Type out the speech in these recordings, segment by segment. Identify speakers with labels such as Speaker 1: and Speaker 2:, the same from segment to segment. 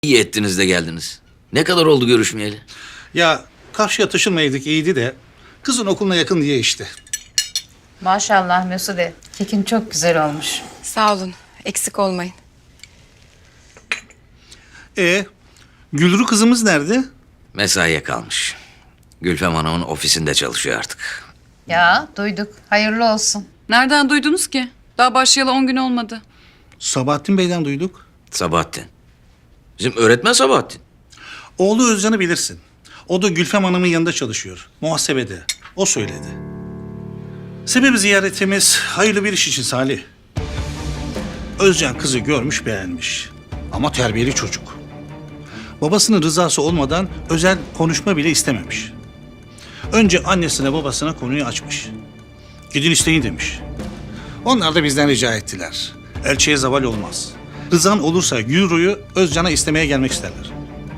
Speaker 1: İyi ettiniz de geldiniz. Ne kadar oldu görüşmeyeli?
Speaker 2: Ya karşıya taşınmayaydık iyiydi de kızın okuluna yakın diye işte.
Speaker 3: Maşallah Mesude. Kekin çok güzel olmuş.
Speaker 4: Sağ olun. Eksik olmayın.
Speaker 2: Gülru kızımız nerede?
Speaker 1: Mesaiye kalmış. Gülfem Hanım'ın ofisinde çalışıyor artık.
Speaker 3: Ya duyduk. Hayırlı olsun.
Speaker 5: Nereden duydunuz ki? Daha başlayalı 10 gün olmadı.
Speaker 2: Sabahattin Bey'den duyduk.
Speaker 1: Sabahattin. Bizim öğretmen Sabahattin.
Speaker 2: Oğlu Özcan'ı bilirsin. O da Gülfem Hanım'ın yanında çalışıyor. Muhasebede. O söyledi. Sebebi ziyaretimiz hayırlı bir iş için Salih. Özcan kızı görmüş beğenmiş. Ama terbiyeli çocuk. Babasının rızası olmadan özel konuşma bile istememiş. Önce annesine babasına konuyu açmış. Gidin isteyin demiş. Onlar da bizden rica ettiler. Elçiye zeval olmaz. Rızan olursa Gülru'yu Özcan'a istemeye gelmek isterler.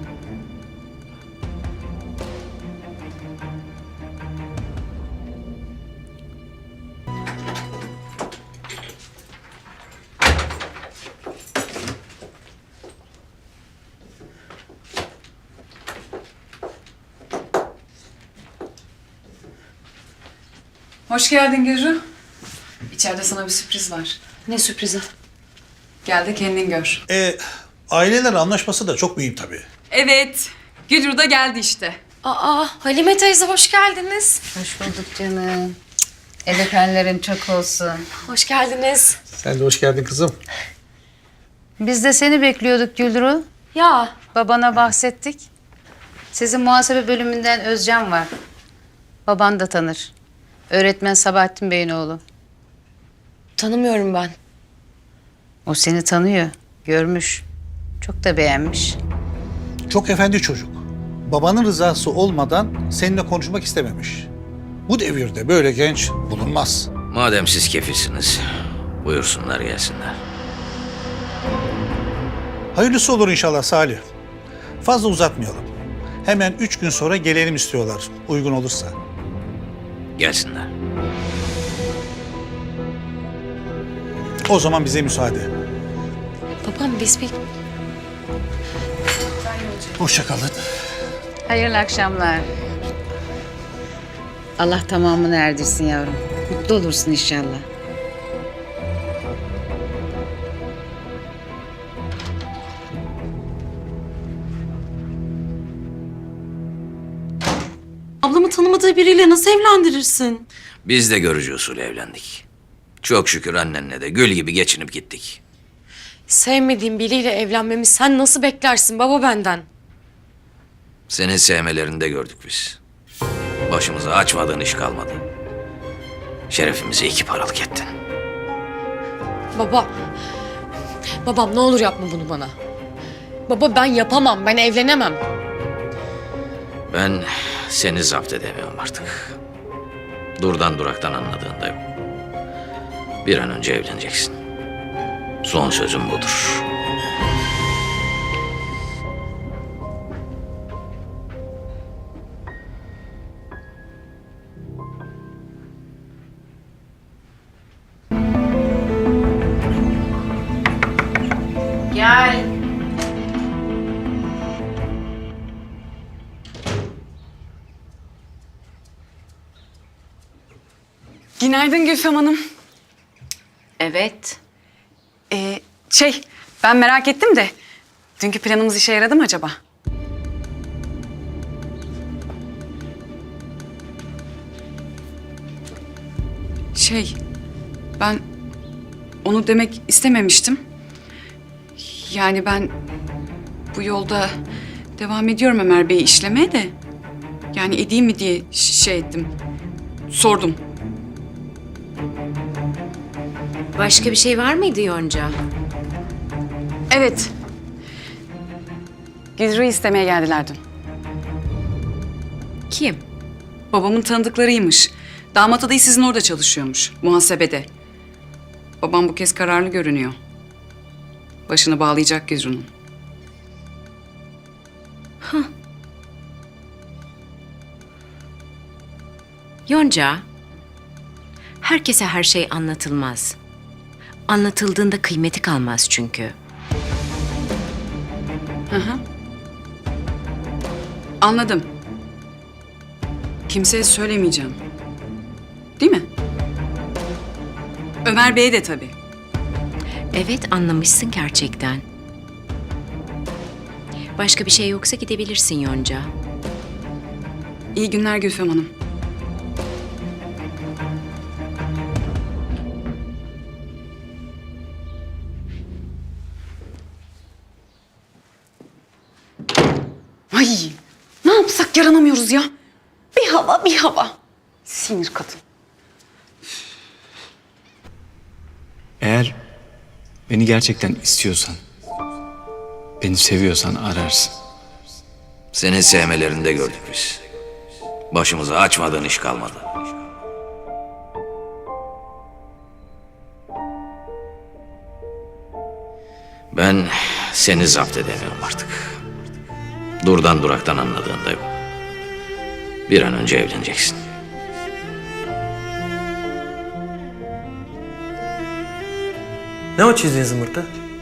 Speaker 5: Hoş geldin Gülru. İçeride sana bir sürpriz var.
Speaker 4: Ne sürprizi?
Speaker 5: Gel de kendin gör.
Speaker 2: Aileler anlaşması da çok mühim tabii.
Speaker 5: Evet. Gülru da geldi işte.
Speaker 4: Aa, Halime teyze hoş geldiniz.
Speaker 3: Hoş bulduk canım. El öpenlerin çok olsun.
Speaker 4: Hoş geldiniz.
Speaker 2: Sen de hoş geldin kızım.
Speaker 3: Biz de seni bekliyorduk Gülru.
Speaker 4: Ya,
Speaker 3: Babana bahsettik. Sizin muhasebe bölümünden Özcan var. Baban da tanır. Öğretmen Sabahattin Bey'in oğlu.
Speaker 4: tanımıyorum ben.
Speaker 3: O seni tanıyor. Görmüş. Çok da beğenmiş.
Speaker 2: Çok efendi çocuk. Babanın rızası olmadan seninle konuşmak istememiş. Bu devirde böyle genç bulunmaz.
Speaker 1: Madem siz kefilsiniz, buyursunlar gelsinler.
Speaker 2: Hayırlısı olur inşallah Salih. Fazla uzatmayalım. Hemen 3 gün sonra gelelim istiyorlar uygun olursa.
Speaker 1: Gelsinler.
Speaker 2: O zaman bize müsaade.
Speaker 4: Babam biz bir...
Speaker 2: Hoşça kalın.
Speaker 3: Hayırlı akşamlar. Allah tamamını erdirsin yavrum. Mutlu olursun inşallah.
Speaker 6: Ablamı tanımadığı biriyle nasıl evlendirirsin?
Speaker 1: Biz de görücü usulü evlendik. Çok şükür annenle de gül gibi geçinip gittik.
Speaker 4: Sevmediğim biriyle evlenmemi sen nasıl beklersin baba benden?
Speaker 1: Senin sevmelerini de gördük biz. Başımıza açmadığın iş kalmadı. Şerefimizi iki paralık ettin.
Speaker 4: Baba, babam ne olur yapma bunu bana. Baba ben yapamam, ben evlenemem.
Speaker 1: Ben seni zapt edemiyorum artık. Durdan duraktan anladığın da yok. Bir an önce evleneceksin. Son sözüm budur.
Speaker 3: Gel.
Speaker 5: Günaydın Gülfem Hanım.
Speaker 3: Evet.
Speaker 5: Ben merak ettim de dünkü planımız işe yaradı mı acaba? Ben onu demek istememiştim. Yani ben bu yolda devam ediyorum Ömer Bey'i işlemeye de. Yani edeyim mi diye şey ettim. Sordum.
Speaker 7: Başka bir şey var mıydı Yonca?
Speaker 5: Evet. Gülru'yu istemeye geldiler dün.
Speaker 7: Kim?
Speaker 5: Babamın tanıdıklarıymış. Damat adayı sizin orada çalışıyormuş. Muhasebede. Babam bu kez kararlı görünüyor. Başını bağlayacak Gülru'nun.
Speaker 7: Yonca, herkese her şey anlatılmaz. Anlatıldığında kıymeti kalmaz çünkü.
Speaker 5: Anladım. Kimseye söylemeyeceğim. Değil mi? Ömer Bey'e de tabii.
Speaker 7: Evet, anlamışsın gerçekten. Başka bir şey yoksa gidebilirsin Yonca.
Speaker 5: İyi günler Gülfem Hanım.
Speaker 6: Ay ne yapsak yaranamıyoruz ya. Bir hava bir hava. Sinir kadın.
Speaker 8: Eğer beni gerçekten istiyorsan, beni seviyorsan ararsın.
Speaker 1: Senin sevmelerini de gördük biz. Başımıza açmadığın iş kalmadı. Ben seni zapt edemiyorum artık. Durdan duraktan anladığında yok. Bir an önce evleneceksin.
Speaker 9: Ne o çizdiğin zımbırtı?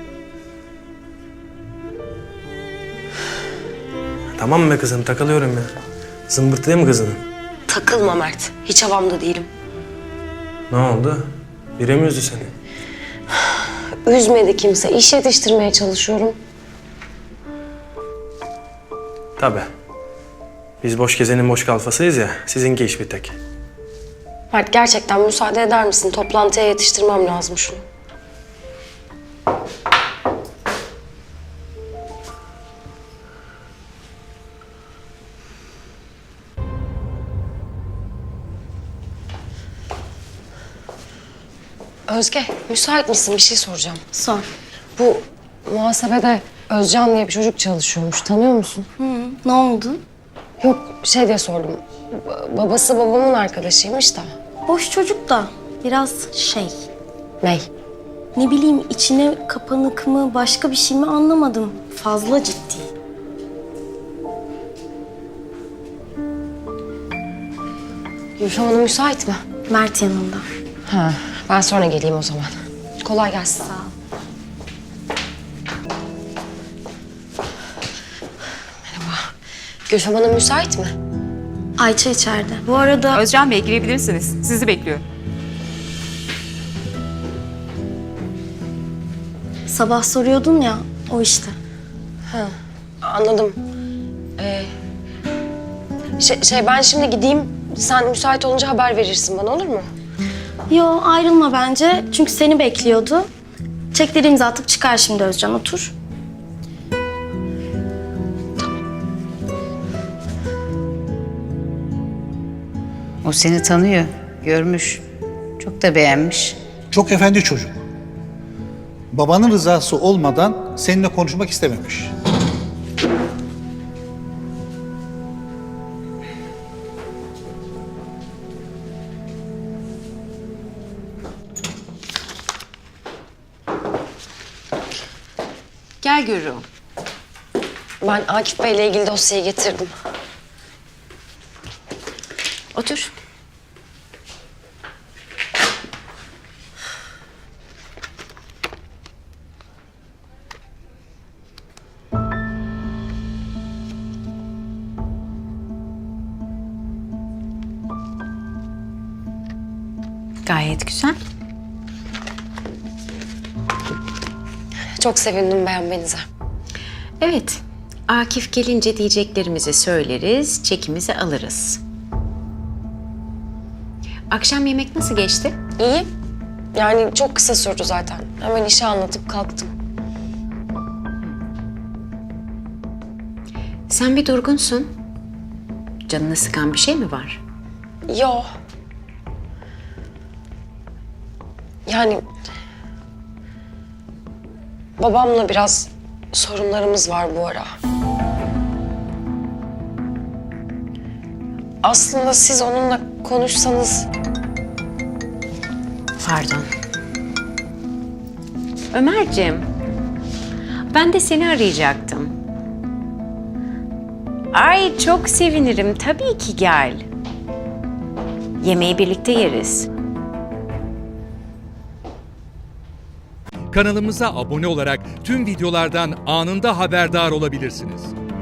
Speaker 9: Tamam be kızım, takılıyorum ya. Zımbırtı değil mi kızının?
Speaker 10: Takılma Mert. Hiç havamda değilim.
Speaker 9: Ne oldu? Biri mi üzdü seni?
Speaker 10: Üzmedi kimse. İş yetiştirmeye çalışıyorum.
Speaker 9: Tabii. Biz boş gezenin boş kalfasıyız ya, sizinki iş bir tek.
Speaker 10: Mert gerçekten müsaade eder misin? Toplantıya yetiştirmem lazım şunu. Özge, müsait misin? Bir şey soracağım.
Speaker 6: Sor.
Speaker 10: Bu muhasebede Özcan diye bir çocuk çalışıyormuş. Tanıyor musun?
Speaker 6: Ne oldu?
Speaker 10: Yok, şey diye sordum. Babası babamın arkadaşıymış da.
Speaker 6: Boş çocuk da biraz
Speaker 10: Ney?
Speaker 6: ne bileyim içine kapanık mı başka bir şey mi anlamadım. Fazla ciddi.
Speaker 10: Gülfem Hanım müsait mi?
Speaker 6: Mert yanında.
Speaker 10: Ha, ben sonra geleyim o zaman. Kolay gelsin.
Speaker 6: Sağ ol.
Speaker 10: Gülfem Hanım müsait mi?
Speaker 6: Ayça içeride. Bu arada
Speaker 11: Özcan Bey girebilirsiniz. Sizi bekliyor.
Speaker 6: sabah soruyordun ya o işte.
Speaker 10: Anladım. Ben şimdi gideyim. Sen müsait olunca haber verirsin bana, olur mu?
Speaker 6: Yo ayrılma bence çünkü seni bekliyordu. Çekleri imza atıp çıkar şimdi Özcan, otur.
Speaker 3: O seni tanıyor, görmüş. Çok da beğenmiş.
Speaker 2: Çok efendi çocuk. Babanın rızası olmadan seninle konuşmak istememiş.
Speaker 7: Gel Gürru.
Speaker 10: Ben Akif Bey'le ilgili dosyayı getirdim.
Speaker 7: Otur. Gayet güzel.
Speaker 10: Çok sevindim beğenmenize.
Speaker 7: Evet, Akif gelince diyeceklerimizi söyleriz, çekimizi alırız. Akşam yemek nasıl geçti?
Speaker 10: İyi. Yani çok kısa sürdü zaten. Hemen işi anlatıp kalktım.
Speaker 7: Sen bir durgunsun. Canını sıkan bir şey mi var?
Speaker 10: Yo. Yani babamla biraz sorunlarımız var bu ara. Aslında siz onunla konuşsanız...
Speaker 7: Pardon. Ömerciğim, ben de seni arayacaktım. Ay çok sevinirim, tabii ki gel. Yemeği birlikte yeriz.
Speaker 12: Kanalımıza abone olarak tüm videolardan anında haberdar olabilirsiniz.